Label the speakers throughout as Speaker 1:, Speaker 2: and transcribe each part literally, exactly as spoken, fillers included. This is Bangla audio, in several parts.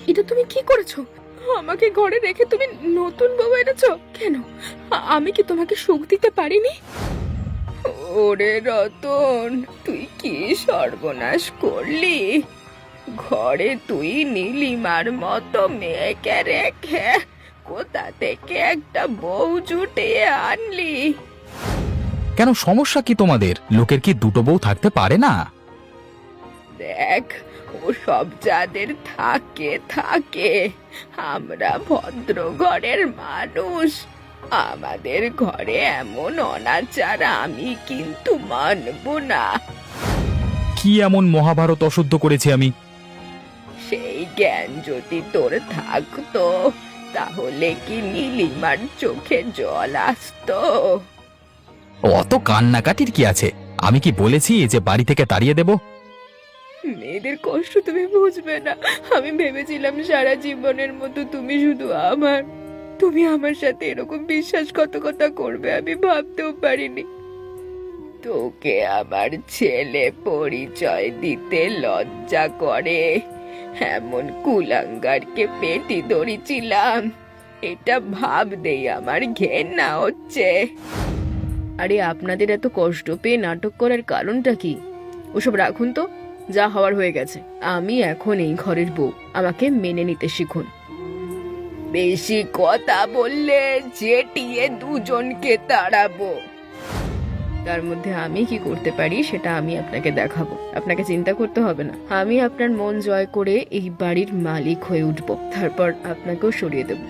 Speaker 1: এটা তুমি কি করেছো? আমাকে ঘরে রেখে তুমি নতুন বউ এনেছো কেন? আ- আমি কি তোমাকে সুখ দিতে পারিনি? ওরে রতন, তুই কি সর্বনাশ করলি! ঘরে তুই নীলিমার মতো মেয়েকে রেখে কোথা থেকে একটা বউ জুটিয়ে আনলি?
Speaker 2: কেন, সমস্যা কি তোমাদের? লোকের কি দুটো বউ থাকতে পারে না?
Speaker 1: দেখ, ও সব যাদের থাকে থাকে, আমরা ভদ্র ঘরের মানুষ, আমাদের ঘরে এমন অনাচার আমি কিন্তু মানব না।
Speaker 2: কি এমন মহাভারত অশুদ্ধ করেছি আমি?
Speaker 1: সেই জ্ঞান যদি তোর থাকতো, তাহলে কি নীলিমার চোখে জল আসতো?
Speaker 2: অত কান্নাকাটির কি আছে? আমি কি বলেছি যে বাড়ি থেকে তাড়িয়ে দেব?
Speaker 1: মেয়েদের কষ্ট তুমি বুঝবে না। আমি ভেবেছিলাম সারা জীবনের মতো তুমি শুধু আমার। তুমি আমার সাথে এরকম বিশ্বাসঘাতকতা করবে আমি ভাবতেও পারিনি। তোকে আমার ছেলে পরিচয় দিতে লজ্জা করে এমন কুলাঙ্গারকে পেটি ধরেছিলাম, এটা ভাবতেই আমার ঘেন্না হচ্ছে। আরে আপনাদের এত কষ্ট পেয়ে নাটক করার কারণটা কি? ওসব রাখুন তো, যা হওয়ার হয়ে গেছে। আমি এখন এই ঘরের বউ, আমাকে মেনে নিতে শিখুন। বেশি কথা বললে জেটিয়ে দুজনকে তাড়াবো। তার মধ্যে আমি কি করতে পারি সেটা আমি আপনাকে দেখাবো। আপনাকে চিন্তা করতে হবে না, আমি আপনার মন জয় করে এই বাড়ির মালিক হয়ে উঠবো, তারপর আপনাকেও সরিয়ে দেব।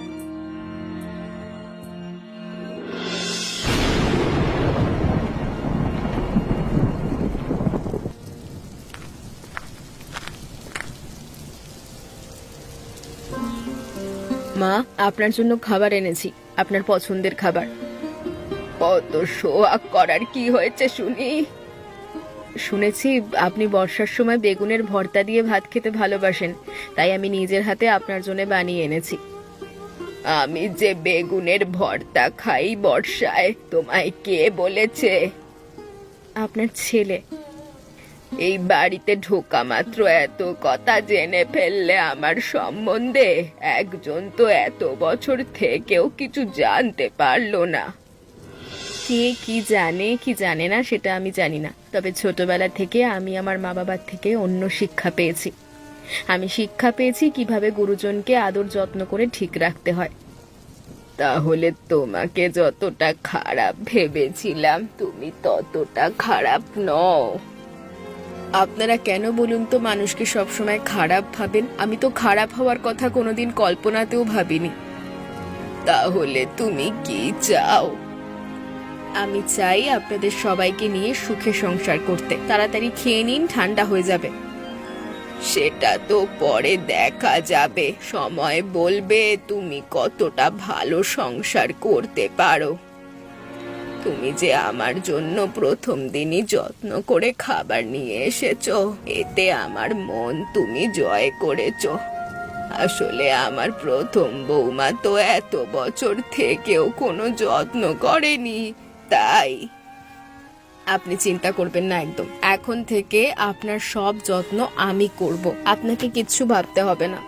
Speaker 1: মা, আপনার জন্য খাবার এনেছি, আপনার পছন্দের খাবার। কত শোয়াক করার কি হয়েছে শুনি? শুনেছি আপনি বর্ষার সময় বেগুনের ভর্তা দিয়ে ভাত খেতে ভালোবাসেন, তাই আমি নিজের হাতে আপনার জন্য বানিয়ে এনেছি। আমি যে বেগুনের ভর্তা খাই বর্ষায়, তোমায় কে বলেছে? আপনার ছেলে। এই বাড়িতে ঢোকা মাত্র এত কথা জেনে ফেললে আমার সম্বন্ধে? একজন তো এত বছর থেকেও কিছু জানতে পারলো না। কে কি জানে কি জানে না সেটা আমি জানি না, তবে ছোটবেলা থেকে আমি আমার মা বাবার থেকে অন্য শিক্ষা পেয়েছি। আমি শিক্ষা পেয়েছি কিভাবে গুরুজনকে আদর যত্ন করে ঠিক রাখতে হয়। তাহলে তোমাকে যতটা খারাপ ভেবেছিলাম তুমি ততটা খারাপ নও। আপনারা কেন বলুন তো মানুষকে সবসময় খারাপ ভাবেন? আমি তো খারাপ হওয়ার কথা কোনোদিন কল্পনাতেও ভাবিনি। তাহলে তুমি কি চাও? আমি চাই আপনাদের সবাইকে নিয়ে সুখে সংসার করতে। তাড়াতাড়ি খেয়ে নিন, ঠান্ডা হয়ে যাবে। সেটা তো পরে দেখা যাবে, সময় বলবে তুমি কতটা ভালো সংসার করতে পারো। তুমি যে আমার জন্য প্রথম দিনই যত্ন করে খাবার নিয়ে এসেছো, এতে আমার মন তুমি জয় করেছো। আসলে আমার প্রথম বৌমা তো এত বছর থেকেও কোনো যত্ন করেনি, তাই। আপনি চিন্তা করবেন না একদম, এখন থেকে আপনার সব যত্ন আমি করব, আপনাকে কিচ্ছু ভাবতে হবে না।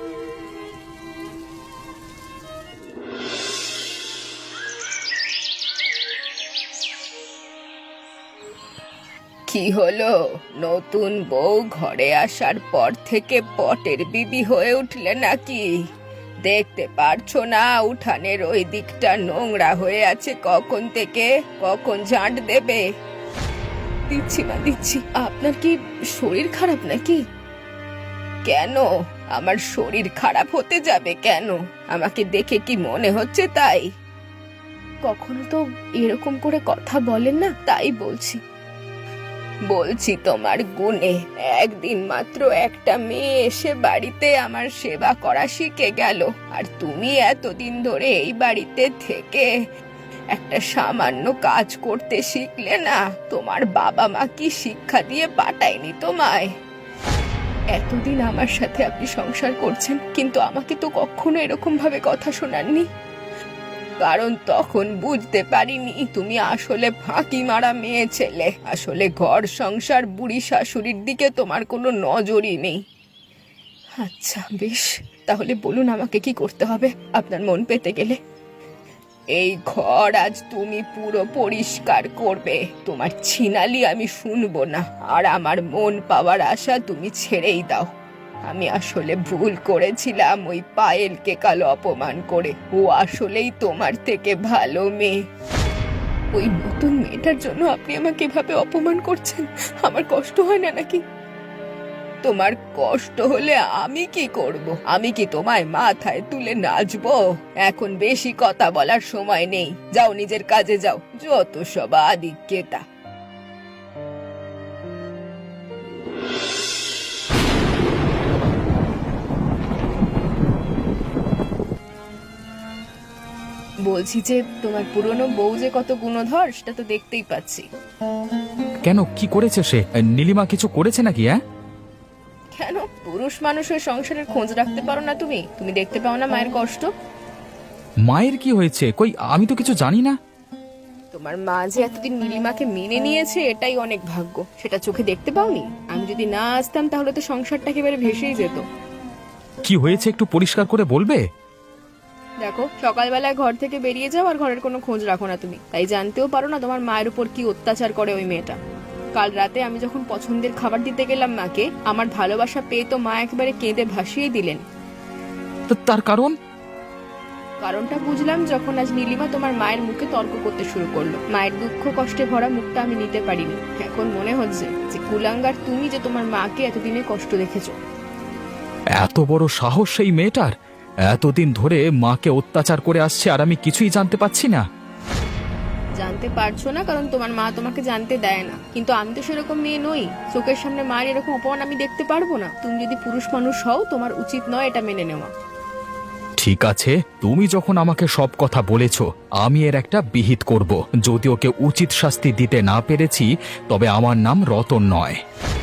Speaker 1: কি হলো, নতুন বউ ঘরে আসার পর থেকে পটের বিবি হয়ে উঠলে নাকি? দেখতে পারছো না উঠানের ওই দিকটা নোংরা হয়ে আছে কখন থেকে? কখন ঝাঁট দেবে? দিচ্ছি না দিচ্ছি। আপনার কি শরীর খারাপ নাকি? কেন? আমার শরীর খারাপ হতে যাবে কেন? আমাকে দেখে কি মনে হচ্ছে তাই? কখনো তো এরকম করে কথা বলেন না, তাই বলছি। বলছি তোমার গুণে। একদিন মাত্র একটা মেয়ে এসে বাড়িতে আমার সেবা করা শিখে গেল, আর তুমি এতদিন ধরে এই বাড়িতে থেকে একটা সামান্য কাজ করতে শিখলে না? তোমার বাবা মা কি শিক্ষা দিয়ে পাঠায়নি তোমায়? এতদিন আমার সাথে আপনি সংসার করছেন, কিন্তু আমাকে তো কখনো এরকম ভাবে কথা শোনাননি। কারণ তখন বুঝতে পারিনি তুমি আসলে ফাঁকি মারা মেয়ে ছেলে। আসলে ঘর সংসার বুড়ি শাশুড়ির দিকে তোমার কোনো নজরই নেই। আচ্ছা বেশ, তাহলে বলুন আমাকে কি করতে হবে আপনার মন পেতে গেলে। এই ঘর আজ তুমি পুরো পরিষ্কার করবে, তোমার ছিনালি আমি শুনবো না, আর আমার মন পাওয়ার আশা তুমি ছেড়েই দাও। আমি আসলে ভুল করেছিলাম ওই পায়েলকে কাল অপমান করে, ও আসলেই তোমার থেকে ভালো মেয়ে। ওই নতুন মেয়েটার জন্য আপনি আমাকে এভাবে অপমান করছেন, আমার কষ্ট হয় না নাকি? তোমার কষ্ট হলে আমি কি করব? আমি কি তোমায় মাথায় তুলে নাচবো? এখন বেশি কথা বলার সময় নেই, যাও নিজের কাজে যাও, যত সব আদিক্যেতা। বলছি যে তোমার পুরনো বউ যে কত গুণধর সেটা তো দেখতেই পাচ্ছি।
Speaker 2: কেন, কি করেছে সে? নীলিমা কিছু করেছে নাকি? হ্যাঁ,
Speaker 1: কেন, পুরুষ মানুষের সংসারের খোঁজ রাখতে পারো না তুমি? তুমি দেখতে পাও না মায়ের কষ্ট?
Speaker 2: মায়ের কি হয়েছে? কই, আমি তো কিছু জানি না।
Speaker 1: তোমার মা যে এতদিন নীলিমাকে মেনে নিয়েছে এটাই অনেক ভাগ্য, সেটা চোখে দেখতে পাওনি? আমি যদি না আসতাম তাহলে তো সংসারটা একেবারে ভেসেই যেত।
Speaker 2: কি হয়েছে একটু পরিষ্কার করে বলবে?
Speaker 1: দেখো, সকালবেলায় ঘর থেকে বেরিয়ে যাও আর ঘরের কোনো খোঁজ রাখো না তুমি, তাই জানতেও পারো না তোমার মায়ের উপর কি অত্যাচার করে ওই মেয়েটা। কাল রাতে আমি যখন পছন্দের খাবার দিতে গেলাম মাকে, আমার ভালোবাসা পেয়ে তো মা একেবারে কেঁদে ভাসিয়ে দিলেন।
Speaker 2: তো তার কারণ?
Speaker 1: কারণটা বুঝলাম যখন আজ নীলিমা তোমার মায়ের মুখে তর্ক করতে শুরু করলো। মায়ের দুঃখ কষ্টে ভরা মুখটা আমি নিতে পারিনি। এখন মনে হচ্ছে যে কুলাঙ্গার তুমি যে তোমার মাকে এতদিনে কষ্ট দেখেছো।
Speaker 2: এত বড় সাহস সেই মেয়েটার! এতদিন ধরে মাকে অত্যাচার করে আসছে আর আমি কিছুই জানতে পাচ্ছি না।
Speaker 1: জানতে পারছো না কারণ তোমার মা তোমাকে জানতে দেয় না, কিন্তু আমি তো সেরকম মেয়ে নই। চোখের সামনে মায়ের এরকম অপমান আমি দেখতে পারবো না। তুমি যদি পুরুষ মানুষ হও তোমার উচিত নয় এটা মেনে নেওয়া।
Speaker 2: ঠিক আছে, তুমি যখন আমাকে সব কথা বলেছ, আমি এর একটা বিহিত করব। যদি ওকে উচিত শাস্তি দিতে না পেরেছি তবে আমার নাম রতন নয়।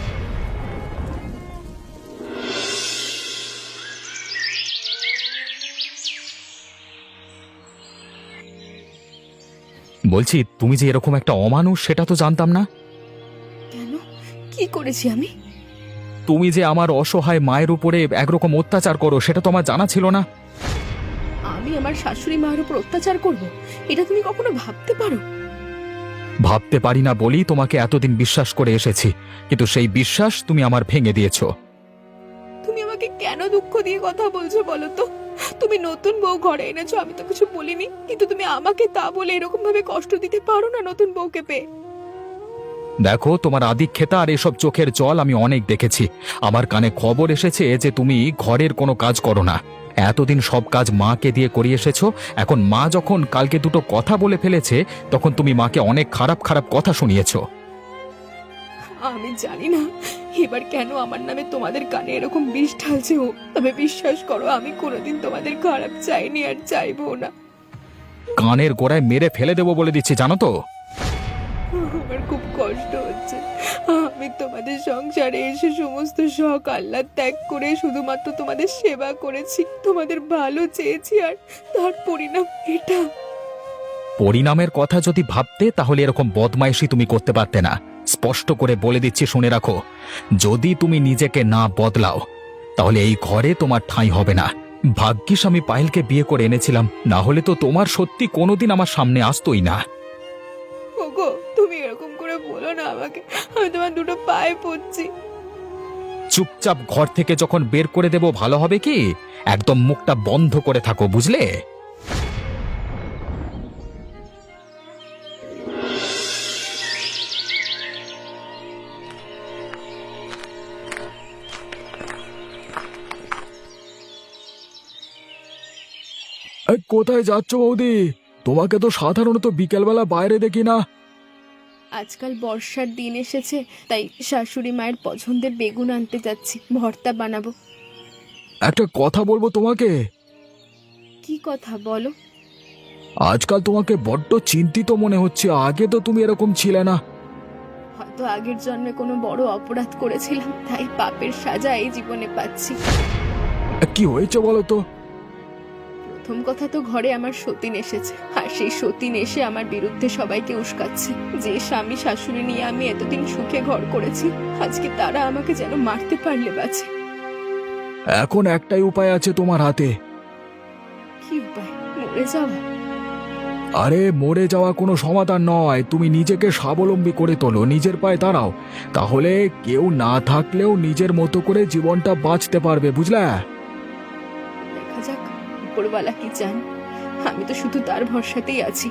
Speaker 2: বলছি, তুমি যে এরকম একটা অমানুষ সেটা তো জানতাম না।
Speaker 1: কেন, কি করেছি আমি?
Speaker 2: তুমি যে আমার অসহায় মায়ের উপরে একরকম অত্যাচার করো সেটা তো আমার জানা ছিল না।
Speaker 1: আমি আমার শাশুড়ি মায়ের উপর অত্যাচার করব, এটা তুমি কখনো ভাবতে পারো?
Speaker 2: ভাবতে পারি না বলি তোমাকে এতদিন বিশ্বাস করে এসেছি, কিন্তু সেই বিশ্বাস তুমি আমার ভেঙে দিয়েছো।
Speaker 1: তুমি আমাকে কেন দুঃখ দিয়ে কথা বলছো বলো তো? তুমি নতুন বউ ঘরে এনেছো, আমি তো কিছু বলিনি, কিন্তু তুমি আমাকে তা বলে এরকম ভাবে কষ্ট দিতে পারো না নতুন বউকে পেয়ে।
Speaker 2: দেখো, তোমার আদিক্ষেতা আর এসব চোখের জল আমি অনেক দেখেছি। আমার কানে খবর এসেছে যে তুমি ঘরের কোনো কাজ করো না। এতদিন সব কাজ মাকে দিয়ে করিয়ে এসেছো, এখন মা যখন কালকে দুটো কথা বলে ফেলেছে তখন তুমি মাকে অনেক খারাপ খারাপ কথা শুনিয়েছো।
Speaker 1: আমি জানি না এবার কেন আমার নামে তোমাদের কানে এরকম বিষ ঢালছে ও, তবে বিশ্বাস করো আমি কোনোদিন তোমাদের খারাপ চাইনি আর চাইবো না।
Speaker 2: কানের গোড়ায় মেরে ফেলে দেবো বলে দিচ্ছি, জানো তো।
Speaker 1: আমার খুব কষ্ট হচ্ছে। আমি তোমাদের সংসারে এসে সমস্ত শখ আহ্লাদ ত্যাগ করে শুধুমাত্র তোমাদের সেবা করেছি, তোমাদের ভালো চেয়েছি, আর তার পরিণাম এটা।
Speaker 2: পরিণামের কথা যদি ভাবতে তাহলে এরকম বদমাইশি তুমি করতে পারতে না। স্পষ্ট করে বলে দিচ্ছি, শুনে রাখো, যদি তুমি নিজেকে না বদলাও তাহলে এই ঘরে তোমার ঠাঁই হবে না। ভাগ্যিস আমি পায়েলকে বিয়ে করে এনেছিলাম, না হলে তো তোমার সত্যি কোনোদিন আমার সামনে আসতোই না।
Speaker 1: ওগো, তুমি এরকম করে বলো না আমাকে, আমি তোমার দুটো পায়ে পড়ছি।
Speaker 2: চুপচাপ ঘর থেকে যখন বের করে দেব ভালো হবে কি? একদম মুখটা বন্ধ করে থাকো, বুঝলে? কোথায় যাচ্ছ বৌদি? তোমাকে তো সাধারণত বিকেলবেলা বাইরে দেখি না।
Speaker 1: আজকাল বর্ষার দিন এসেছে, তাই শাশুড়ি মায়ের পছন্দের বেগুন আনতে যাচ্ছি, ভর্তা বানাবো।
Speaker 2: একটা কথা বলবো তোমাকে।
Speaker 1: কি কথা বলো?
Speaker 2: আজকাল তোমাকে বড্ড চিন্তিত মনে হচ্ছে, আগে তো তুমি এরকম ছিলে না।
Speaker 1: হয়তো আগের জন্মে কোনো বড় অপরাধ করেছিলাম, তাই পাপের সাজা এই জীবনে পাচ্ছি।
Speaker 2: কি হয়েছে বলো তো?
Speaker 1: প্রথম কথা তো ঘরে আমার সতীন এসেছে, আর সেই সতীন এসে আমার বিরুদ্ধে সবাইকে উস্কাচ্ছে। যে স্বামী শাশুড়ি নিয়ে আমি এতদিন সুখে ঘর করেছি, আজকে তারা আমাকে যেন মারতে পারলে বাঁচে।
Speaker 2: এখন একটাই উপায় আছে তোমার হাতে।
Speaker 1: কি উপায়? মরে যাওয়া?
Speaker 2: আরে মরে যাওয়া কোনো সমাধান নয়, তুমি নিজেকে স্বাবলম্বী করে তোলো, নিজের পায়ে দাঁড়াও, তাহলে কেউ না থাকলেও নিজের মতো করে জীবনটা বাঁচতে পারবে, বুঝলে?
Speaker 1: দেখা যাক উপরওয়ালা কি চান, আমি তো শুধু তার ভরসাতেই আছি।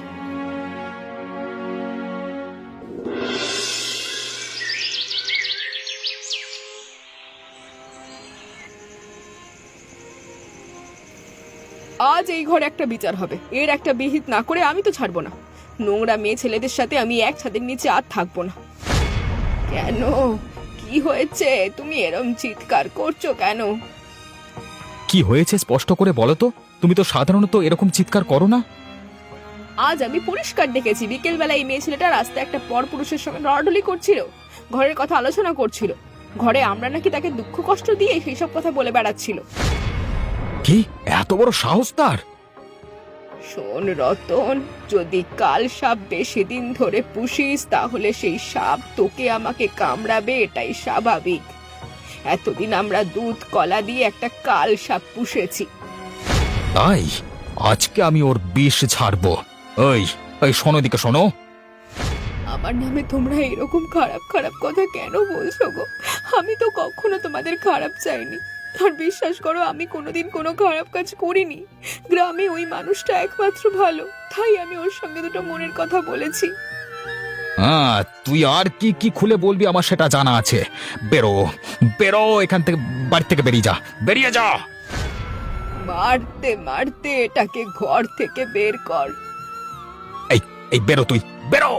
Speaker 1: আজ এই ঘরে একটা বিচার হবে, এর একটা বিহিত না করে আমি তো ছাড়বো না। নোংরা মেয়ে ছেলেদের সাথে আমি এক ছাদের নিচে আর থাকবো না। কেন, কি হয়েছে? তুমি এরম চিৎকার করছো কেন?
Speaker 2: কি হয়েছে স্পষ্ট করে বলো তো, তুমি তো সাধারণত এরকম চিৎকার করো না।
Speaker 1: আজ আমি পরিষ্কার দেখেছি, বিকেল বেলা এই মেয়ে ছেলেটা রাস্তায় একটা পর পুরুষের সঙ্গে লড়াডলি করছিল, ঘরের কথা আলোচনা করছিল। ঘরে আমরা নাকি তাকে দুঃখ কষ্ট দিয়ে সেই সব কথা বলে বেড়াচ্ছিল।
Speaker 2: কি এত বড় সাহস তার?
Speaker 1: শোন রতন, যদি কাল সাপ বেশি দিন ধরে পুষিস তাহলে সেই সাপ তোকে আমাকে কামড়াবে, এটাই স্বাভাবিক। এতদিন আমরা দুধ কলা দিয়ে একটা কাল সাপ পুষেছি।
Speaker 2: তাই আজকে আমি ওর বিষ ছাড়বো। ওই ওই শোনো, দিকে শোনো।
Speaker 1: আমার নামে তোমরা এরকম খারাপ খারাপ কথা কেন বলছো গো? আমি তো কখনো তোমাদের খারাপ চাইনি। আর বিশ্বাস করো, আমি কোনোদিন কোনো খারাপ কাজ করিনি। গ্রামে ওই মানুষটা একমাত্র ভালো, তাই আমি ওর সঙ্গে দুটো মনের কথা বলেছি।
Speaker 2: হ্যাঁ, তুই আর কি কি খুলে বলবি আমার সেটা জানা আছে। বেরো বেরো এখান থেকে, বাড়ি থেকে বেরিয়ে যা, বেরিয়ে যা।
Speaker 1: মারতে মারতে এটাকে ঘর থেকে বের কর।
Speaker 2: এই এই বেরো, তুই বেরো।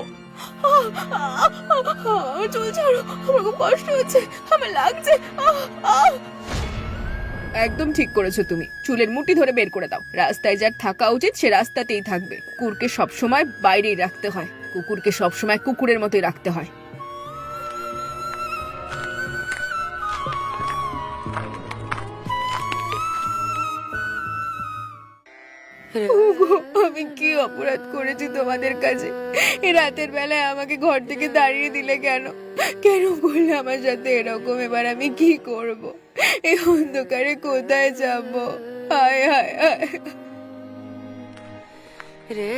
Speaker 1: আমার চুল ছাড়ো, আমার খুব কষ্ট হচ্ছে, আমার লাগছে। একদম ঠিক করেছো তুমি, চুলের মুঠি ধরে বের করে দাও। রাস্তায় যার থাকা উচিত সে রাস্তাতেই থাকবে। কুকুরকে সবসময় বাইরেই রাখতে হয়, কুকুরকে সবসময় কুকুরের মতোই রাখতে হয়। ওগো, আমি কি অপরাধ করেছি তোমাদের কাছে? এই রাতের বেলায় আমাকে ঘর থেকে দাঁড়িয়ে দিলে কেন? কেন বললে আমার সাথে এরকম? এবার আমি কি করব? এই অন্ধকারে কোথায় যাব? হায় হায় হায় রে।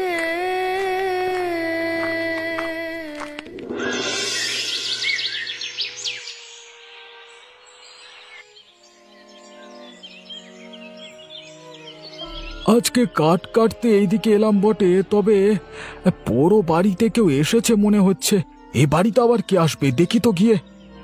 Speaker 2: আজকে কাঠ কাটতে এইদিকে এলাম বটে, তবে পুরো বাড়িতে কেউ এসেছে মনে হচ্ছে। এই বাড়িতে আবার কে আসবে, দেখি তো গিয়ে।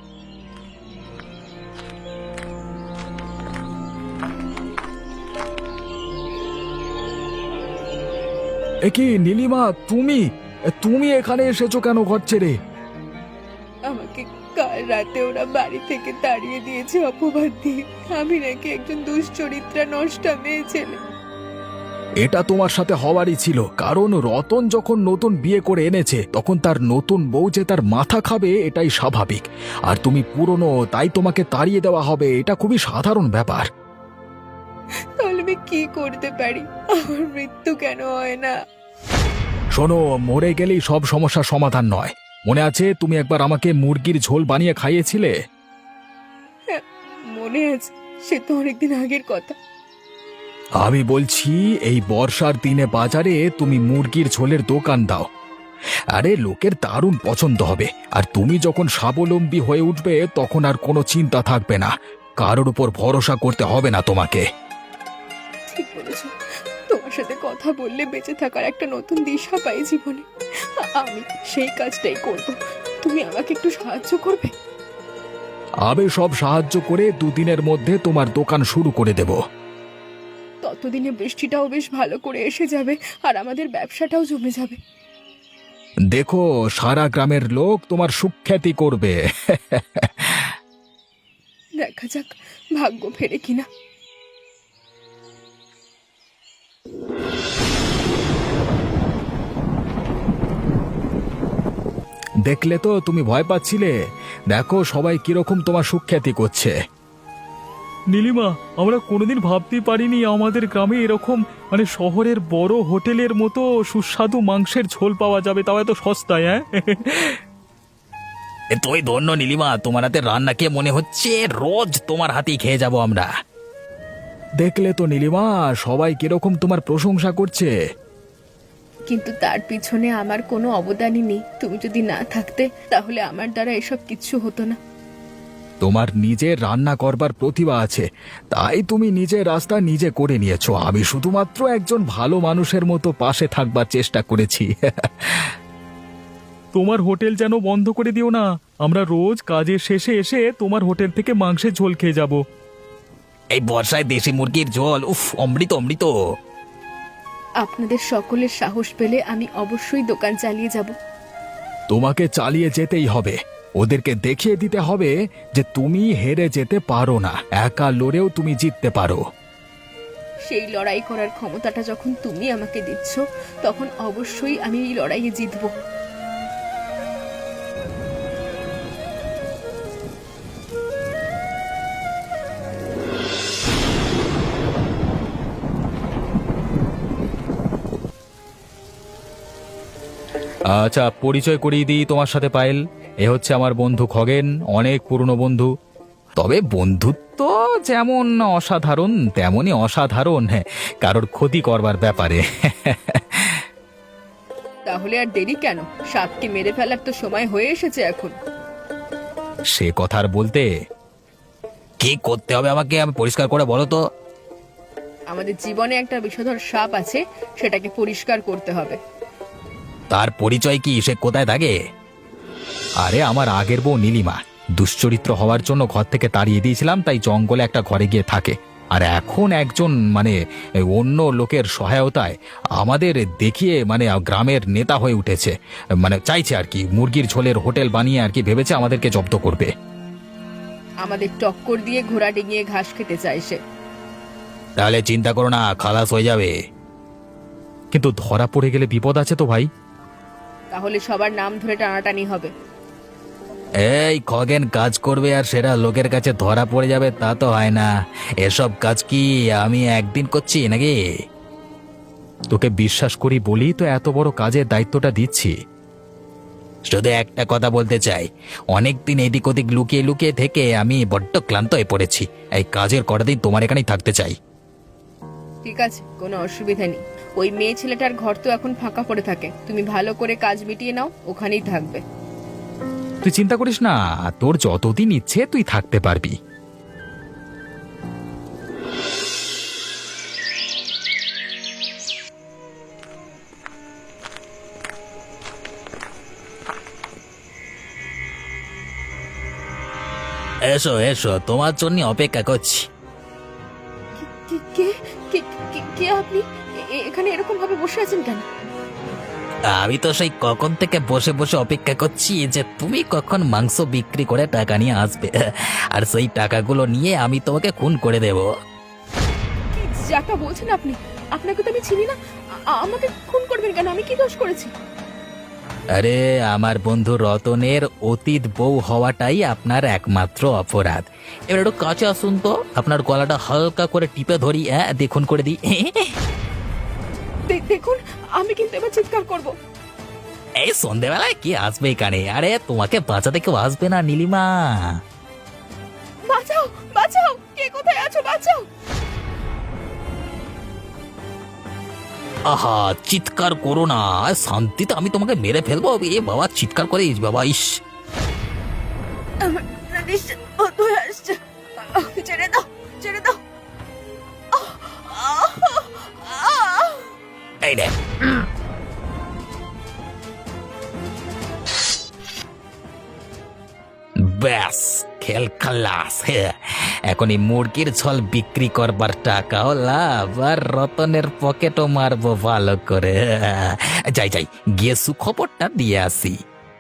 Speaker 2: এ কি নীলিমা, তুমি তুমি এখানে এসেছো কেন ঘর ছেড়ে?
Speaker 1: আমাকে কাল রাতে ওরা বাড়ি থেকে তাড়িয়ে দিয়েছে অপবাদ দিয়ে। আমি নাকি একজন দুশ্চরিত্রা নষ্টা মেয়ে ছেলে।
Speaker 2: এটা তোমার সাথে হওয়ারই ছিল, কারণ রতন যখন নতুন বিয়ে করে এনেছে তখন তার নতুন বউ যে তার মাথা খাবে এটাই স্বাভাবিক। আর তুমি পুরনো, তাই তোমাকে তাড়িয়ে দেওয়া হবে, এটা খুবই সাধারণ ব্যাপার।
Speaker 1: তাহলে আমি কি করতে পারি? আমার মৃত্যু কেন হয় না?
Speaker 2: শোনো, মরে গেলেই সব সমস্যার সমাধান নয়। মনে আছে তুমি একবার আমাকে মুরগির ঝোল বানিয়ে খাইয়েছিলে?
Speaker 1: হ্যাঁ, মনে আছে, সে তো অনেকদিন আগের কথা।
Speaker 2: আমি বলছি এই বর্ষার দিনে বাজারে তুমি মুরগির ঝোলের দোকান দাও, আরে লোকের দারুণ পছন্দ হবে। আর তুমি যখন স্বাবলম্বী হয়ে উঠবে তখন আর কোনো চিন্তা থাকবে না, কারোর উপর ভরসা করতে হবে না তোমাকে।
Speaker 1: ঠিক বলেছ, তোমার সাথে কথা বললে বেঁচে থাকার একটা নতুন দিশা পাই জীবনে। আমি সেই কাজটাই করব। তুমি আমাকে একটু সাহায্য করবে?
Speaker 2: আমি সব সাহায্য করে দুদিনের মধ্যে তোমার দোকান শুরু করে দেব।
Speaker 1: ততদিনে বৃষ্টিটাও বেশ ভালো করে এসে যাবে আর আমাদের ব্যবসাটাও জমে যাবে।
Speaker 2: দেখো, সারা গ্রামের লোক তোমার সুখ্যাতি করবে।
Speaker 1: দেখা যাক ভাগ্য ফেরে কিনা।
Speaker 2: দেখলে তো তুমি ভয় পাচ্ছিলে, দেখো সবাই কিরকম তোমার সুখ্যাতি করছে। নীলিমা, আমরা কোনোদিন ভাবতেই পারিনি আমাদের গ্রামে এরকম মানে শহরের বড় হোটেলের মতো সুস্বাদু মাংসের ঝোল পাওয়া যাবে, তাও এত সস্তায়। হ্যাঁ, এ তুই ধন্য নীলিমা, তোমার হাতে রান্না খেয়ে মনে হচ্ছে রোজ তোমার হাতেই খেয়ে যাব আমরা। দেখলে তো নীলিমা, সবাই কিরকম তোমার প্রশংসা করছে।
Speaker 1: কিন্তু তার পিছনে আমার কোনো অবদানই নেই। তুমি যদি না থাকতে তাহলে আমার দ্বারা এসব কিচ্ছু হতো না।
Speaker 2: তোমার নিজের রান্না করবার প্রতিভা আছে, তাই তুমি নিজের রাস্তা নিজে করে নিয়েছো। আমি শুধুমাত্র একজন ভালো মানুষের মতো পাশে থাকবার চেষ্টা করেছি। তোমার হোটেল যেন বন্ধ করে দিও না, আমরা রোজ কাজের শেষে এসে তোমার হোটেল থেকে মাংসের ঝোল খেয়ে যাব। এই বর্ষায় দেশি মুরগির ঝোল, উফ, অমৃত অমৃত।
Speaker 1: আপনাদের সকলের সাহস পেলে আমি অবশ্যই দোকান চালিয়ে যাব।
Speaker 2: তোমাকে চালিয়ে যেতেই হবে। ওদেরকে দেখিয়ে দিতে হবে যে তুমি হেরে যেতে পারো না, একা লড়েও তুমি জিততে পারো।
Speaker 1: সেই লড়াই করার ক্ষমতাটা যখন তুমি আমাকে দিচ্ছ, তখন অবশ্যই আমি এই লড়াইয়ে জিতব।
Speaker 2: আচ্ছা, পরিচয় করিয়ে দিই তোমার সাথে পায়েল। এ হচ্ছে আমার বন্ধু খগেন, অনেক পুরনো বন্ধু। তবে বন্ধুত্ব যেমন অসাধারণ তেমনই অসাধারণ হ্যাঁ, কারোর ক্ষতি করবার ব্যাপারে।
Speaker 1: তাহলে আর দেরি কেন? সাপকে মেরে ফেলার তো সময় হয়ে এসেছে এখন।
Speaker 2: সে কথা আর বলতে, কি করতে হবে আমাকে আমি পরিষ্কার করে বলো তো।
Speaker 1: আমাদের জীবনে একটা বিষধর সাপ আছে, সেটাকে পরিষ্কার করতে হবে।
Speaker 2: তার পরিচয় কি? সে কোথায় থাকে? আরে আমার আগের বউ নীলিমা, দুশ্চরিত্র হওয়ার জন্য ঘর থেকে তাড়িয়ে দিয়েছিলাম, তাই জঙ্গলে একটা ঘরে গিয়ে থাকে। আর এখন একজন মানে অন্য লোকের সহায়তায় আমাদের দেখিয়ে মানে গ্রামের নেতা হয়ে উঠেছে। মানে চাইছে আর কি মুরগির ঝোলের হোটেল বানিয়ে আর কি ভেবেছে আমাদেরকে জব্দ করবে।
Speaker 1: আমাদের টক্কর দিয়ে ঘোড়া ডিঙিয়ে ঘাস খেতে চায় সে।
Speaker 2: তাহলে চিন্তা করো না, খালাস হয়ে যাবে। কিন্তু ধরা পড়ে গেলে বিপদ আছে তো ভাই।
Speaker 1: তাহলে সবার নাম ধরে টানাটানি হবে।
Speaker 2: এই খগেন কাজ করবে আর সেটা লোকের কাছে ধরা পড়ে যাবে, তা তো হয় না। এসব কাজ কি আমি একদিন করছি নাকি? তোকে বিশ্বাস করি বলি তো এত বড় কাজের দায়িত্বটা দিচ্ছি। শুধু একটা কথা বলতে চাই, অনেকদিন এদিক ওদিক লুকিয়ে লুকিয়ে থেকে আমি বড্ড ক্লান্ত হয়ে পড়েছি। এই কাজের কটা দিন তোমার এখানেই থাকতে চাই।
Speaker 1: ঠিক আছে, কোনো অসুবিধা নেই। ওই মেয়ে ছেলেটার ঘর তো এখন ফাঁকা পড়ে থাকে, তুমি ভালো করে কাজ মিটিয়ে নাও, ওখানেই থাকবে।
Speaker 2: তুই চিন্তা করিস না, তোর যতদিন ইচ্ছে তুই থাকতে পারবি। এসো এসো, তোমার জন্য অপেক্ষা করছি।
Speaker 1: কে- কে কে কে- কে আপনি? এ- এ- এখানে এরকম ভাবে বসে আছেন কেন?
Speaker 2: আমি তো সেই কখন থেকে বসে বসে অপেক্ষা করছি যে তুমি কখন মাংস বিক্রি করে টাকা নিয়ে আসবে, আর সেই টাকাগুলো নিয়ে আমি তোমাকে খুন করে দেব।
Speaker 1: কি যাটা বলছেন আপনি? আপনাকে তো আমি চিনি না। আ- আমাকে খুন করবেন কেন? আমি কি দোষ করেছি?
Speaker 2: আরে আমার বন্ধু রতনের অতীত বউ হওয়াটাই আপনার একমাত্র অপরাধ। এবার একটু কাছে আসুন তো, আপনার গলাটা হালকা করে টিপে ধরি, হ্যাঁ দেখুন করে দিই।
Speaker 1: দে- দেখুন, আমি কিন্তু এবার চিৎকার করব।
Speaker 2: এই সন্ধেবেলায় কি আসবে এখানে? আরে তোমাকে বাঁচাতে কেউ আসবে না নীলিমা।
Speaker 1: বাঁচাও, বাঁচাও, কে কোথায় আছো? বাঁচাও।
Speaker 2: আহা, চিৎকার করো না, শান্তিতে আমি তোমাকে মেরে ফেলবো। এ বাবা, চিৎকার করে বাবা, ইস।
Speaker 1: আমার নিঃশ্বাস বন্ধ হয়ে আসছে। আহ, ছেড়ে দাও, ছেড়ে দাও। আহ, আহ, আহ।
Speaker 2: এই রে, ব্যাস খেল খালাস। এখন এই মুরগির ঝোল বিক্রি করবার টাকাও লাভ, আর রতনের পকেটও মারবো ভালো করে। যাই যাই, গিয়ে সুখবরটা দিয়ে আসি।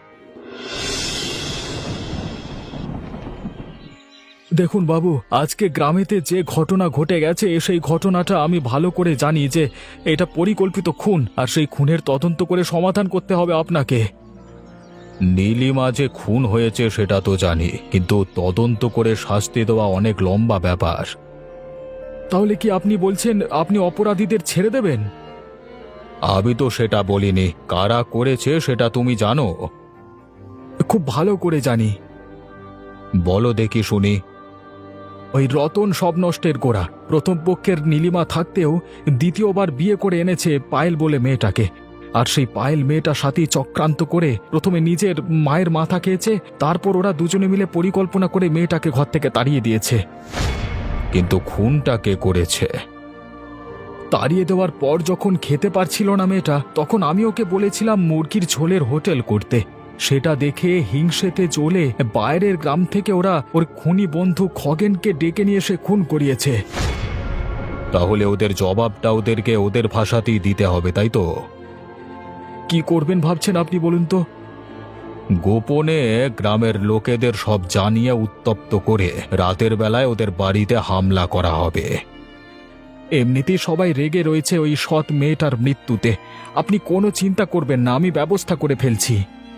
Speaker 2: দেখুন বাবু, আজকে গ্রামেতে যে ঘটনা ঘটে গেছে সেই ঘটনাটা আমি ভালো করে জানি যে এটা পরিকল্পিত খুন, আর সেই খুনের তদন্ত করে সমাধান করতে হবে আপনাকে। নীলিমা যে খুন হয়েছে সেটা তো জানি, কিন্তু তদন্ত করে শাস্তি দেওয়া অনেক লম্বা ব্যাপার। তাহলে কি আপনি বলছেন আপনি অপরাধীদের ছেড়ে দেবেন? আমি তো সেটা বলিনি, কারা করেছে সেটা তুমি জানো। খুব ভালো করে জানি। বলো দেখি শুনি। ওই রতন সব নষ্টের গোড়া। প্রথম পক্ষের নীলিমা থাকতেও দ্বিতীয়বার বিয়ে করে এনেছে পায়েল বলে মেয়েটাকে। আর সেই পায়েল মেয়েটার সাথে চক্রান্ত করে প্রথমে নিজের মায়ের মাথা খেয়েছে, তারপর ওরা দুজনে মিলে পরিকল্পনা করে মেয়েটাকে ঘর থেকে তাড়িয়ে দিয়েছে। কিন্তু খুনটা কে করেছে? তাড়িয়ে দেওয়ার পর যখন খেতে পারছিল না মেয়েটা, তখন আমি ওকে বলেছিলাম মুরগির ঝোলের হোটেল করতে। সেটা দেখে হিংসেতে জ্বলে বাইরের গ্রাম থেকে ওরা ওর খুনি বন্ধু খগেনকে ডেকে নিয়ে এসে খুন করিয়েছে। তাহলে ওদের জবাবটা ওদেরকে ওদের ভাষাতেই দিতে হবে, তাই তো? কি করবেন ভাবছেন আপনি বলুন তো? গোপনে গ্রামের লোকেদের সব জানিয়ে উত্তপ্ত করে রাতের বেলায় ওদের বাড়িতে হামলা করা হবে। এমনিতেই সবাই রেগে রয়েছে ওই সৎ মেয়েটার মৃত্যুতে। আপনি কোনো চিন্তা করবেন না, আমি ব্যবস্থা করে ফেলছি।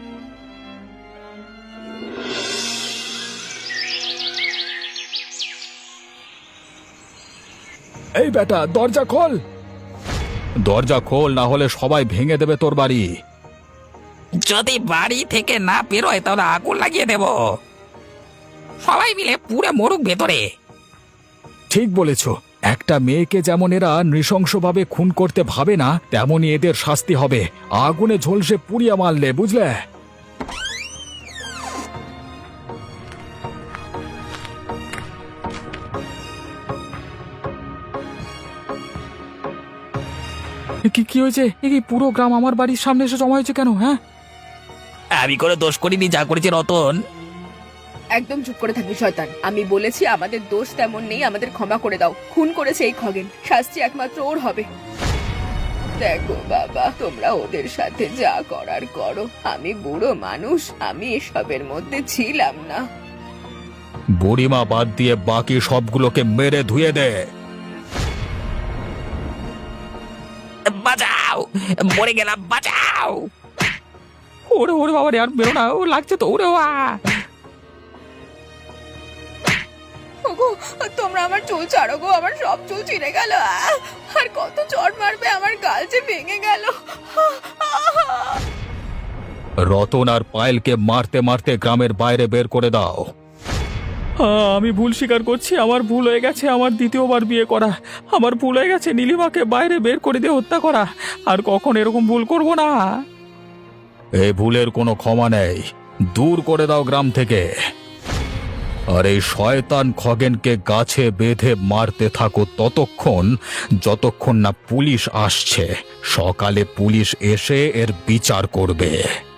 Speaker 2: এই বেটা, দরজা খোল! দরজা খোল, না হলে সবাই ভেঙে দেবে তোর বাড়ি।
Speaker 3: যদি বাড়ি থেকে না বেরোয় তাহলে আগুন লাগিয়ে দেব। সবাই মিলে পুরো মরুক ভেতরে।
Speaker 2: ঠিক বলেছ। একটা মেয়েকে যেমন এরা নৃশংসভাবে খুন করতে ভাবে না, তেমনই এদের শাস্তি হবে। আগুনে ঝলসে পুড়িয়ে মারলে, বুঝলে? কি কি হয়েছে? এই পুরো গ্রাম আমার বাড়ির সামনে এসে জমা হয়েছে কেন? হ্যাঁ,
Speaker 3: আমি করে দোষ করিনি, যা করেছে রতন।
Speaker 1: একদম চুপ করে থাকবি শয়তান। আমি বলেছি আমাদের দোষ তেমন নেই, আমাদের ক্ষমা করে দাও। খুন করেছে এই খগেন, শাস্তি একমাত্র ওর হবে। দেখো বাবা, তোমরা ওদের সাথে যা করার করো। আমি বুড়ো মানুষ, আমি এসবের মধ্যে ছিলাম না।
Speaker 2: বুড়িমা বাদ দিয়ে বাকি সবগুলোকে মেরে ধুয়ে দে।
Speaker 3: বাঁচাও, মরে গেলাম, বাঁচাও।
Speaker 2: ওরে ওরে বাবা রে, আর বেরো না, ও লাগছে তো। ওরে ওয়া!
Speaker 1: ওগো, তোমরা আমার চুল ছাড়ো গো, আমার সব চুল ছিঁড়ে গেল। আহ! আর কত চড় মারবে, আমার গাল যে ভেঙে গেল।
Speaker 2: রতন আর পায়েলকে মারতে মারতে গ্রামের বাইরে বের করে দাও। আমি ভুল স্বীকার করছি, আমার ভুল হয়ে গেছে। আমার দ্বিতীয়বার বিয়ে করা আমার ভুল হয়ে গেছে। নীলিমাকে বাইরে বের করে দিয়ে হত্যা করা। আর কখন এরকম ভুল করব না। এই ভুলের কোনো ক্ষমা নেই। দূর করে দাও গ্রাম থেকে। আর এই শয়তান খগেনকে গাছে বেঁধে মারতে থাকো ততক্ষণ, যতক্ষণ না পুলিশ আসছে। সকালে পুলিশ এসে এর বিচার করবে।